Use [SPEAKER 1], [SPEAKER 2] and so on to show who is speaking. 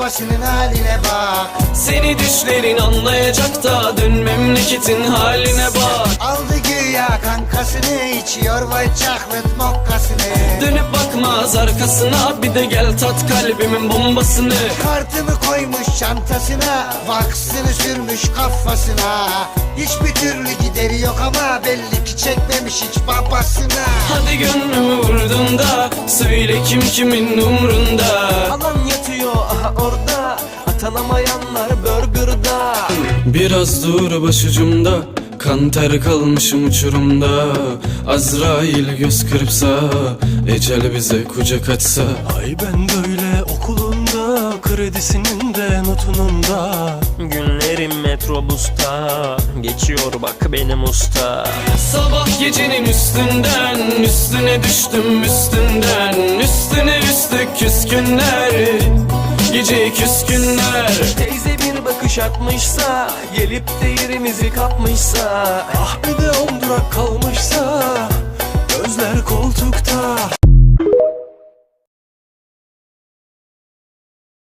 [SPEAKER 1] babasının haline bak.
[SPEAKER 2] Seni düşlerin anlayacak da dön memleketin haline bak.
[SPEAKER 1] Aldı güya kankasını, içiyor white chocolate mokkasını.
[SPEAKER 2] Dönüp bakmaz arkasına, bir de gel tat kalbimin bombasını.
[SPEAKER 1] Kartımı koymuş çantasına, vaksını sürmüş kafasına. Hiçbir türlü gideri yok ama belli ki çekmemiş hiç babasına.
[SPEAKER 2] Hadi gönlümü vurdun da söyle kim kimin umrunda.
[SPEAKER 3] Alan yatıyor aha orada, atanamayanlar burgerda.
[SPEAKER 2] Biraz dur başucumda, kan ter kalmışım uçurumda. Azrail göz kırpsa, ecel bize kucak açsa.
[SPEAKER 3] Ay ben böyle okulunda, kredisinin de notunun da. Günlerim metrobüsta, geçiyor bak benim usta.
[SPEAKER 2] Sabah gecenin üstünden, üstüne düştüm üstünden. Üstüne üstlük küskünler, gece küskünler.
[SPEAKER 3] Teyze bir bakış atmışsa, gelip de yerimizi kapmışsa. Ah bir de 10 durak kalmışsa.